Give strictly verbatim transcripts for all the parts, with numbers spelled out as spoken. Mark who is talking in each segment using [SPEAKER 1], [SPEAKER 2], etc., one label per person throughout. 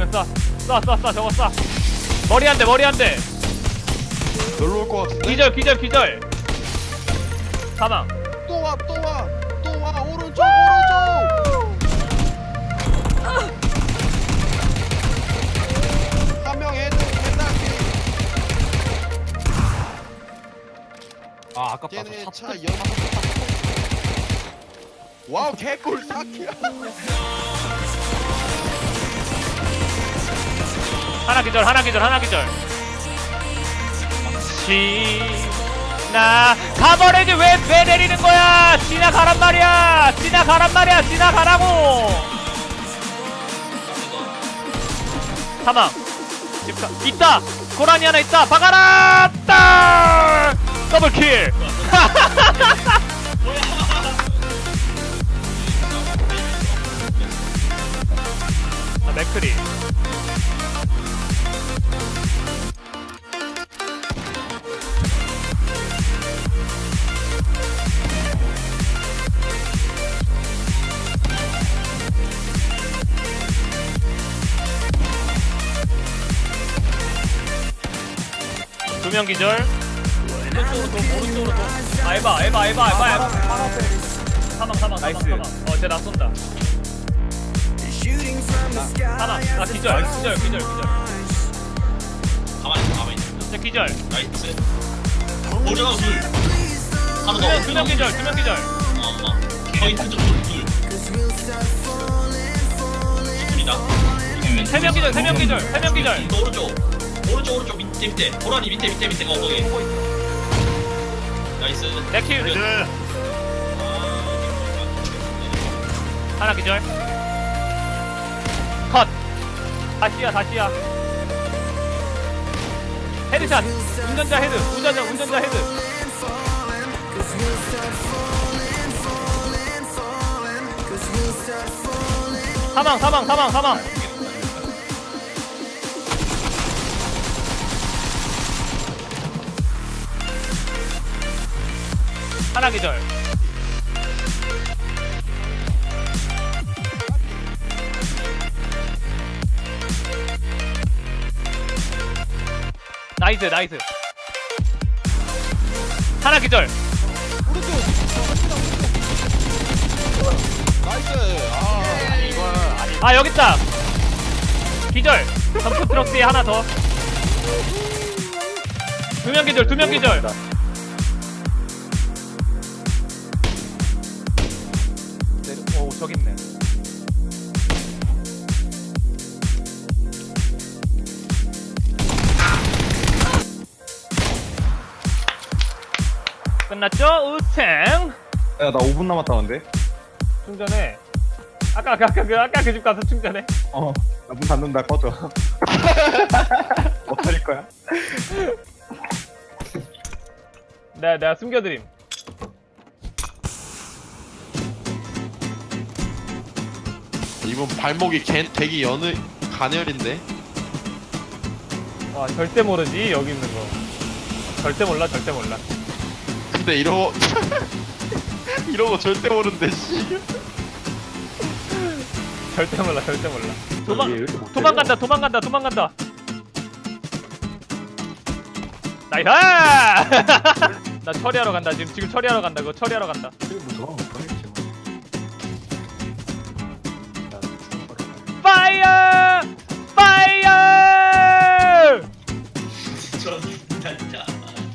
[SPEAKER 1] 오면 쏴. 쏴, 쏴, 쏴, 저거 쏴. 머리 한 대, 머리 한 대.
[SPEAKER 2] 놀러 올 것 같은데?
[SPEAKER 1] 기절, 기절, 기절. 사망.
[SPEAKER 2] 또 와, 또 와, 또 와, 오른쪽, 오른쪽. 한 명 헤드, 헤드할게.
[SPEAKER 3] 아 아깝다.
[SPEAKER 2] 걔네
[SPEAKER 3] 저
[SPEAKER 2] 차
[SPEAKER 3] 차
[SPEAKER 2] 연. 와우, 개꿀 사키야.
[SPEAKER 1] 하나 기절, 하나 기절, 하나 기절. 지나 가버리지 왜, 왜 내리는 거야? 지나가란 말이야. 지나가란 말이야. 지나가라고. 사망. 집가 있다. 고라니 하나 있다. 박아라. 딸. 더블킬. 아, 맥크리. 두 명 기절. 오른쪽으로 도, 오른쪽으로 도. 아, 에바, 에바, 에바, 에바, 에바. 사망, 사망, 사망, 사망. 어, 쟤 나 쏜다. 하나, 아, 기절, 기절, 기절, 기절.
[SPEAKER 4] 가만히 있어, 가만히 있어.
[SPEAKER 1] 쟤 기절.
[SPEAKER 4] 나이스. 오르가 둘. 하나
[SPEAKER 1] 두
[SPEAKER 4] 더.
[SPEAKER 1] 명, 두 명 기절, 두 명 기절.
[SPEAKER 4] 어, 어. 포인트 쪽 둘, 둘. 둘이다.
[SPEAKER 1] 세 명 기절, 세 명 기절, 세 명 기절.
[SPEAKER 4] 또 오른쪽. 오른쪽, 오른쪽, 밑에, 밑에. 고라니 밑에, 밑에, 밑에. 어, 거기. 나이스.
[SPEAKER 1] 내킬. 하나 기절. 컷. 다시야, 다시야. 헤드샷. 운전자 헤드. 운전자, 운전자 헤드. 사망, 사망, 사망, 사망. 하나 기절. 나이스, 나이스. 하나 기절.
[SPEAKER 2] 오른쪽. 나이스. 아, 이걸 아니.
[SPEAKER 1] 아, 여기 있다. 기절. 덤프 트럭 뒤에 하나 더. 두 명 기절, 두 명 기절. 오, 저기 있네. 끝났죠? 우탱.
[SPEAKER 3] 야나 오 분 남았다는데?
[SPEAKER 1] 충전해. 아까 아까 아까 그 아까 그 집 가서 충전해.
[SPEAKER 3] 어. 나 문 닫는다 꺼져. 어떨 거야?
[SPEAKER 1] 내가 내가 숨겨드림.
[SPEAKER 2] 이분 발목이 개, 되게 여느 가늘인데.
[SPEAKER 1] 와, 절대 모르지 여기 있는 거. 절대 몰라, 절대 몰라.
[SPEAKER 2] 근데 이러고 이러고 절대 모른대 씨.
[SPEAKER 1] 절대 몰라, 절대 몰라.
[SPEAKER 3] 이게
[SPEAKER 1] 도망
[SPEAKER 3] 왜 이렇게 못해?
[SPEAKER 1] 도망간다, 도망간다, 도망간다. 나이스! 나 처리하러 간다. 지금 지금 처리하러 간다. 그거 처리하러 간다.
[SPEAKER 3] 뭐 돌아가면 못하겠지.
[SPEAKER 1] 파이어! 파이어!
[SPEAKER 4] 저 진짜.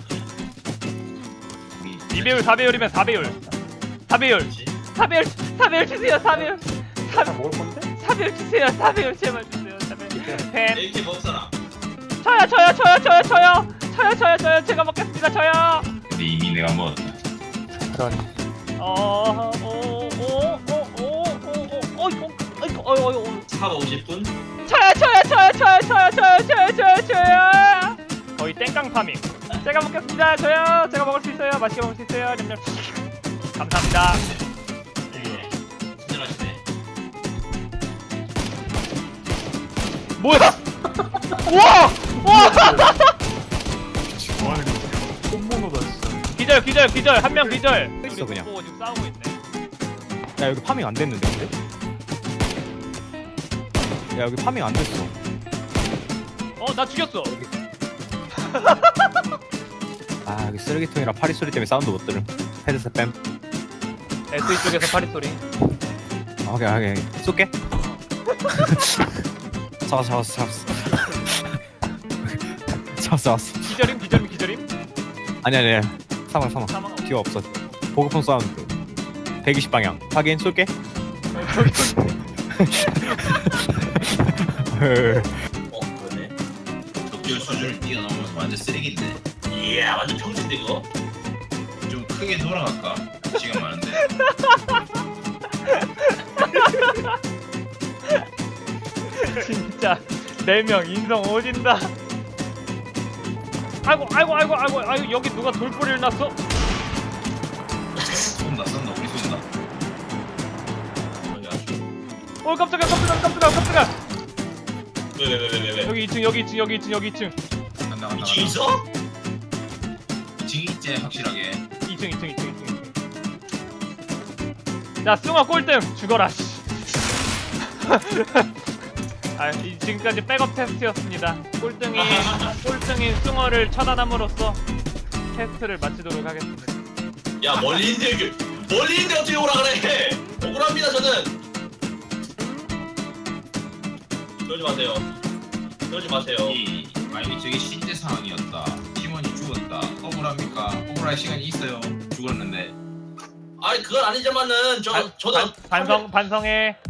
[SPEAKER 1] 이 배율, 사 배율이면 사 배율. 사 배율. 사 배율, 사 배율 주세요. 사 배율. 사
[SPEAKER 3] 먹을 건데?
[SPEAKER 1] 사 배율 주세요. 사 배율 제발 주세요. 사 배율. 펜.
[SPEAKER 4] 이렇게 먹을 사람.
[SPEAKER 1] 저요, 저요, 저요, 저요, 저요. 저요, 저요, 저요. 제가 먹겠습니다. 저요.
[SPEAKER 4] 근데 이미 내가 뭐.
[SPEAKER 3] 그러니.
[SPEAKER 1] 어, 오, 오, 오, 오, 오, 오, 어이구, 어이구, 어이구, 어이구.
[SPEAKER 4] 차가 오실 분?
[SPEAKER 1] 저요, 저요, 저요, 저요, 저요, 저요, 저요, 저요, 저요. 거의 땡깡 파밍. 제가 먹겠습니다. 저요. 제가 먹을 수 있어요. 맛있게 먹을 수 있어요. 냠냠. 감사합니다.
[SPEAKER 4] 예. 친절하시네.
[SPEAKER 1] 뭐야? 우와! 우와!
[SPEAKER 3] 홈모노다 진짜.
[SPEAKER 1] 기절, 기절, 기절. 한 명 기절.
[SPEAKER 3] 있어, 그냥.
[SPEAKER 1] 보고 지금 싸우고 있네.
[SPEAKER 3] 야 여기 파밍 안 됐는데 근데? 야 여기 파밍 안 됐어.
[SPEAKER 1] 어, 나 죽였어.
[SPEAKER 3] 아 여기 쓰레기통이랑 파리 소리 때문에 사운드 못 들음. 헤드셋 뺨.
[SPEAKER 1] 에스이 쪽에서 파리 소리.
[SPEAKER 3] 아, 오케이 오케이 쏠게. 잡았어 잡았어 잡았어. 잡았어 잡았어.
[SPEAKER 1] 기절임, 기절임, 기절임.
[SPEAKER 3] 아니 아니 사망 사망.
[SPEAKER 1] 사망.
[SPEAKER 3] 뒤가 없어. 보급품 사운드. 백이십 방향. 확인 쏠게.
[SPEAKER 1] 어, 저기
[SPEAKER 4] 어 그러네. 적절 수준을 뛰어넘어서 완전 쓰레기인데. 이야 완전 평진데 이거. 좀 크게 돌아갈까? 시간 많은데.
[SPEAKER 1] 진짜 네 명 인성 오진다. 아이고, 아이고, 아이고, 아이고, 아이고, 여기 누가 돌뿌리를 놨어?
[SPEAKER 4] 쏜다 쏜다 우리 쏜다. 어디 갔어?
[SPEAKER 1] 어, 깜짝이야, 깜짝이야, 깜짝이야, 깜짝이야.
[SPEAKER 4] 왜왜왜왜왜?
[SPEAKER 1] 여기 이 층, 여기 이 층, 여기 이 층, 여기 이 층.
[SPEAKER 3] 간다 간다
[SPEAKER 4] 이층 있어? 이층 있지 확실하게.
[SPEAKER 1] 이 층, 이 층, 이 층, 이 층. 자, 숭어 꼴등 죽어라. 씨. 아, 이 지금까지 백업 테스트였습니다. 꼴등이 꼴등인 숭어를 처단함으로써 테스트를 마치도록 하겠습니다.
[SPEAKER 4] 야 멀리 있는데 그 멀리 있는데 어떻게 오라 그래? 억울합니다 저는. 그러지 마세요. 그러지 마세요.
[SPEAKER 5] 이 아니 저게 실제 상황이었다. 팀원이 죽었다. 억울합니까? 억울할 시간이 있어요. 죽었는데.
[SPEAKER 4] 아니 그건 아니지만은 저
[SPEAKER 1] 반-
[SPEAKER 4] 저는
[SPEAKER 1] 반- 반성 반성해.